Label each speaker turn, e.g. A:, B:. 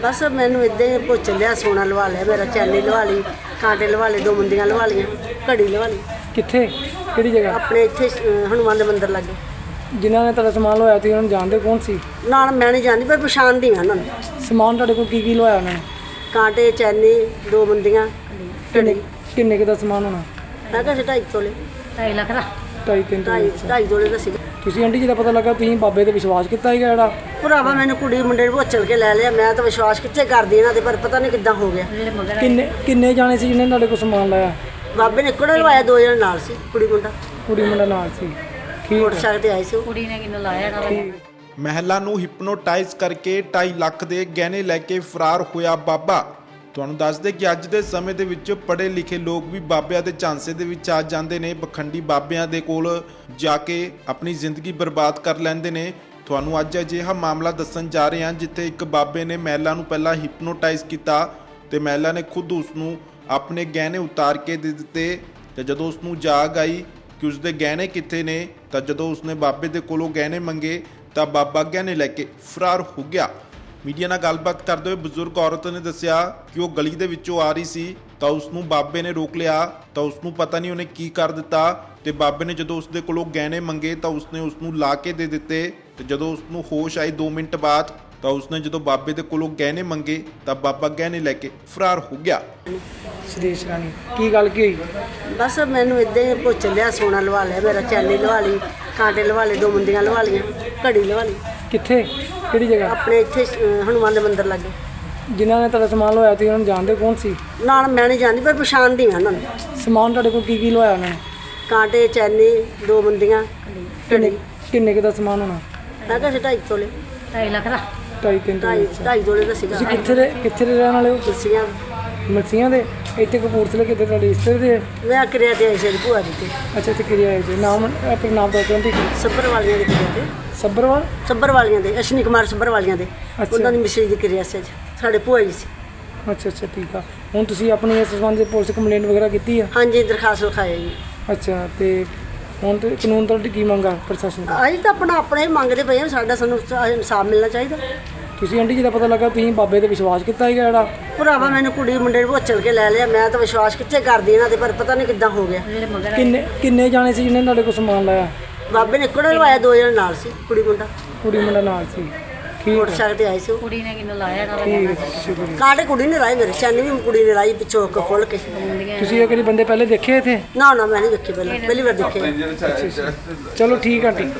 A: बस मैनू इदा ही भुच लिया, सोना लवा लिया, मेरा चैनी लवा ली, कांटे लवा ले, 2 मुंदियां लवा लिया, घड़ी लवा ली।
B: कित्थे किहड़ी जगह?
A: अपने इत्थे हनुमान दे मंदिर लगे।
B: जिन्हों ने तेरा समान लवाया सी उन्होंने जानते कौन सी?
A: ना मैं नहीं जानती, पर पछाणदी हाँ उन्होंने।
B: समान तुहाडे कोल की लवाया उन्होंने?
A: कांटे, चैनी, 2 मुंदियां, घड़ी।
B: किन्ने दा समान होना?
A: मैं कहा 2.5 तोले,
C: 2.5 ਲੱਖ ਦਾ
B: 2.5-3
A: 2.5 ਤੋਲੇ ਦਾ ਸੀਗਾ।
B: ਤੁਸੀਂ ਆਂਟੀ ਜੀ ਦਾ ਪਤਾ ਲੱਗਾ ਤੁਸੀਂ ਬਾਬੇ ਤੇ ਵਿਸ਼ਵਾਸ ਕੀਤਾ ਸੀਗਾ ਜਿਹੜਾ?
A: ਭਰਾਵਾ ਮੈਨੂੰ ਕੁੜੀ ਮੁੰਡੇ ਨੂੰ ਭੋਚਲ ਕੇ ਲੈ ਲਿਆ, ਮੈਂ ਤਾਂ ਵਿਸ਼ਵਾਸ ਕਿੱਥੇ ਕਰਦੀ ਇਹਨਾਂ ਤੇ, ਪਰ ਪਤਾ ਨਹੀਂ ਕਿੱਦਾਂ ਹੋ ਗਿਆ।
C: ਜਿਹੜੇ ਮਗਰ
B: ਕਿੰਨੇ ਜਾਣੇ ਸੀ ਜਿਹਨੇ ਤੁਹਾਡੇ ਕੋਲ ਸਮਾਨ ਲਾਇਆ?
A: ਬਾਬੇ ਨੇ ਇੱਕੋ ਨੇ ਲਵਾਇਆ, 2 ਜਣੇ ਨਾਲ ਸੀ, ਕੁੜੀ ਮੁੰਡਾ
B: ਕੁੜੀ ਮੁੰਡਾ ਨਾਲ ਸੀ। ਠੀਕ
A: ਮੋਟਰਸਾਈਕਲ ਤੇ ਆਏ ਸੀ ਉਹ।
C: ਕੁੜੀ ਨੇ ਕਿੰਨੂੰ ਲਾਇਆ ਨਾ
D: ਮਹਿਲਾ ਨੂੰ ਹਿਪਨੋਟਾਈਜ਼ ਕਰਕੇ 2.5 ਲੱਖ ਦੇ ਗਹਿਣੇ ਲੈ ਕੇ ਫਰਾਰ ਹੋਇਆ ਬਾਬਾ। ਤੁਹਾਨੂੰ ਦੱਸ ਦੇ ਕਿ ਅੱਜ ਦੇ ਸਮੇਂ ਦੇ ਵਿੱਚ ਪੜ੍ਹੇ ਲਿਖੇ ਲੋਕ ਵੀ ਬਾਬਿਆਂ ਦੇ ਝਾਂਸੇ ਦੇ ਵਿੱਚ ਆ ਜਾਂਦੇ ਨੇ, ਪਖੰਡੀ ਬਾਬਿਆਂ ਦੇ ਕੋਲ ਜਾ ਕੇ ਆਪਣੀ ਜ਼ਿੰਦਗੀ ਬਰਬਾਦ ਕਰ ਲੈਂਦੇ ਨੇ। ਤੁਹਾਨੂੰ ਅੱਜ ਅਜਿਹਾ ਮਾਮਲਾ ਦੱਸਣ ਜਾ ਰਹੇ ਹਾਂ ਜਿੱਥੇ ਇੱਕ ਬਾਬੇ ਨੇ ਮਹਿਲਾ ਨੂੰ ਪਹਿਲਾਂ ਹਿਪਨੋਟਾਈਜ਼ ਕੀਤਾ ਤੇ ਮਹਿਲਾ ਨੇ ਖੁਦ ਉਸ ਨੂੰ ਆਪਣੇ ਗਹਿਣੇ ਉਤਾਰ ਕੇ ਦੇ ਦਿੱਤੇ ਤੇ ਜਦੋਂ ਉਸ ਨੂੰ ਜਾਗ ਆਈ ਕਿ ਉਸਦੇ ਗਹਿਣੇ ਕਿੱਥੇ ਨੇ ਤਾਂ ਜਦੋਂ ਉਸਨੇ ਬਾਬੇ ਦੇ ਕੋਲੋਂ ਗਹਿਣੇ ਮੰਗੇ ਤਾਂ ਬਾਬਾ ਗਹਿਣੇ ਲੈ ਕੇ ਫਰਾਰ ਹੋ ਗਿਆ। ਮੀਡੀਆ ਨਾਲ ਗੱਲਬਾਤ ਕਰਦੇ ਹੋਏ ਬਜ਼ੁਰਗ ਔਰਤ ਨੇ ਦੱਸਿਆ ਕਿ ਉਹ ਗਲੀ ਦੇ ਵਿੱਚੋਂ ਆ ਰਹੀ ਸੀ ਤਾਂ ਉਸ ਨੂੰ ਬਾਬੇ ਨੇ ਰੋਕ ਲਿਆ ਤਾਂ ਉਸ ਨੂੰ ਪਤਾ ਨਹੀਂ ਉਹਨੇ ਕੀ ਕਰ ਦਿੱਤਾ ਤੇ ਬਾਬੇ ਨੇ ਜਦੋਂ ਉਸਦੇ ਕੋਲੋਂ ਗਹਿਣੇ ਮੰਗੇ ਤਾਂ ਉਸਨੇ ਉਸ ਨੂੰ ਲਾ ਕੇ ਦੇ ਦਿੱਤੇ ਤੇ ਜਦੋਂ ਉਸ ਨੂੰ ਹੋਸ਼ ਆਈ 2 ਮਿੰਟ ਬਾਅਦ ਤਾਂ ਉਸਨੇ ਜਦੋਂ ਬਾਬੇ ਦੇ ਕੋਲੋਂ ਗਹਿਣੇ ਮੰਗੇ ਤਾਂ ਬਾਬਾ ਗਹਿਣੇ ਲੈ ਕੇ ਫਰਾਰ ਹੋ ਗਿਆ।
B: ਸੁਦੇਸ਼ ਰਾਣੀ ਕੀ ਗੱਲ ਕੀ ਹੋਈ?
A: ਬਸ ਮੈਨੂੰ ਇਦਾਂ ਹੀ ਭੁਚ ਲਿਆ, ਸੋਨਾ ਲਵਾ ਲਿਆ, ਮੇਰਾ ਚੈਨੀ ਲਵਾ ਲਈ, ਕਾਂਟੇ ਲਵਾ ਲੈ, 2 ਮੁੰਦੀਆਂ ਲਵਾ ਲਈਆਂ, ਘੜੀ ਲਵਾ ਲਈ।
B: ਕਿੱਥੇ ਕਿਹੜੀ ਜਗ੍ਹਾ?
A: ਆਪਣੇ ਇੱਥੇ ਹਨੂਮਾਨ ਦੇ ਮੰਦਿਰ ਲੱਗੇ।
B: ਜਿਨ੍ਹਾਂ ਨੇ ਤੇਰਾ ਸਮਾਨ ਲਵਾਇਆ ਸੀ ਉਹਨਾਂ ਨੂੰ ਜਾਣਦੇ ਕੌਣ ਸੀ?
A: ਨਾ ਮੈਂ ਨਹੀਂ ਜਾਣਦੀ, ਪਰ ਪਛਾਣਦੀ ਹਾਂ ਉਹਨਾਂ ਨੂੰ।
B: ਸਮਾਨ ਤੁਹਾਡੇ ਕੋਲ ਕੀ ਲਵਾਇਆ ਉਹਨਾਂ ਨੇ?
A: ਕਾਂਟੇ, ਚੈਨੀ, 2 ਮੁੰਦੀਆਂ, ਘੜੀ।
B: ਕਿੰਨੇ ਦਾ ਸਮਾਨ ਹੋਣਾ?
A: ਮੈਂ ਕਿਹਾ 2.5 ਤੋਲੇ,
C: 2.5 ਲੱਖ ਦਾ
B: 2.5-3
A: 2.5 ਤੋਲੇ ਦਾ ਸੀਗਾ।
B: ਤੁਸੀਂ ਕਿੱਥੇ ਦੇ ਰਹਿਣ ਵਾਲੇ ਹੋ?
A: ਕੁਰਸੀਆਂ
B: ਮਲਸੀਆਂ ਦੇ? ਇੱਥੇ ਕਪੂਰਥਲੇ ਕਿਤੇ ਤੁਹਾਡੇ ਰਿਸ਼ਤੇ ਦੇ?
A: ਮੈਂ ਕਿਰਿਆ ਤੇ ਆਈ ਸੀ ਭੂਆ ਦੀ ਤੇ
B: ਅੱਛਾ ਇੱਥੇ ਕਿਰਿਆ ਹੈ ਜੀ। ਨਾਮ ਆਪਣੇ ਨਾਮ ਦਾ ਕਹਿੰਦੇ
A: ਸੱਬਰ ਵਾਲੀਆਂ ਦੇ ਕਿਰਿਆ ਤੇ,
B: ਸੱਬਰਵਾਲ?
A: ਸੱਬਰ ਵਾਲੀਆਂ ਦੇ, ਅਸ਼ਨੀ ਕੁਮਾਰ ਸੱਬਰ ਵਾਲੀਆਂ ਦੇ। ਉਹਨਾਂ ਦੀ ਮਿਸਰੀ ਦੀ ਕਿਰਿਆ ਸੀ ਅੱਜ, ਸਾਡੇ ਭੂਆ ਜੀ ਸੀ।
B: ਅੱਛਾ ਠੀਕ ਆ। ਹੁਣ ਤੁਸੀਂ ਆਪਣੀ ਇਸ ਸੰਬੰਧ ਵਿੱਚ ਪੁਲਿਸ ਕੰਪਲੇਂਟ ਵਗੈਰਾ ਕੀਤੀ ਆ?
A: ਹਾਂਜੀ, ਦਰਖਾਸਤ ਲਿਖਾਈ ਜੀ।
B: ਅੱਛਾ ਤੇ ਹੁਣ ਤੇ ਕਾਨੂੰਨ ਤੁਹਾਡੀ ਕੀ ਮੰਗਾ ਪ੍ਰਸ਼ਾਸਨ ਦਾ?
A: ਅਸੀਂ ਤਾਂ ਆਪਣਾ ਹੀ ਮੰਗਦੇ ਪਏ ਹਾਂ, ਸਾਡਾ ਸਾਨੂੰ ਇਨਸਾਫ ਮਿਲਣਾ ਚਾਹੀਦਾ।
B: ਤੁਸੀਂ ਆਂਟੀ ਜੀ ਦਾ ਪਤਾ ਲੱਗਾ ਤੁਸੀਂ ਬਾਬੇ ਤੇ ਵਿਸ਼ਵਾਸ ਕੀਤਾ ਸੀਗਾ ਜਿਹੜਾ?
A: ਭਰਾਵਾ ਮੈਨੂੰ ਕੁੜੀ ਮੁੰਡੇ ਨੂੰ ਭੋਚਲ ਕੇ ਲੈ ਲਿਆ, ਮੈਂ ਤਾਂ ਵਿਸ਼ਵਾਸ ਕਿੱਥੇ ਕਰਦੀ ਇਹਨਾਂ ਤੇ, ਪਰ ਪਤਾ ਨਹੀਂ ਕਿੱਦਾਂ ਹੋ ਗਿਆ।
C: ਜਿਹੜੇ ਮਗਰ
B: ਕਿੰਨੇ ਜਾਣੇ ਸੀ ਜਿਹਨੇ ਤੁਹਾਡੇ ਕੋਲ ਸਮਾਨ ਲਾਇਆ?
A: ਬਾਬੇ ਨੇ ਇੱਕੋ ਨੇ ਲਵਾਇਆ, 2 ਜਣੇ ਨਾਲ ਸੀ, ਕੁੜੀ ਮੁੰਡਾ
B: ਨਾਲ ਸੀ। ਠੀਕ ਹੈ
A: ਮੋਟਰਸਾਈਕਲ ਤੇ ਆਏ ਸੀ ਉਹ।
C: ਕੁੜੀ ਨੇ ਕਿੰਨੂੰ ਲਾਇਆ ਨਾ
B: ਠੀਕ ਹੈ, ਸ਼ੁਕਰੀਆ।
A: ਕਾਂਟੇ ਕੁੜੀ ਨੇ ਲਾਏ, ਮੇਰੇ ਚੈਨੀ ਵੀ ਕੁੜੀ ਨੇ ਲਾਈ ਪਿੱਛੋਂ ਖੋਲ ਕੇ।
B: ਤੁਸੀਂ ਇਹ ਕਿਹੜੇ ਬੰਦੇ ਪਹਿਲੇ ਦੇਖੇ ਇੱਥੇ?
A: ਨਾ ਮੈਂ ਨਹੀਂ ਦੇਖੇ, ਪਹਿਲੀ ਵਾਰ ਦੇਖੇ।
B: ਚਲੋ ਠੀਕ ਆ ਆਂਟੀ।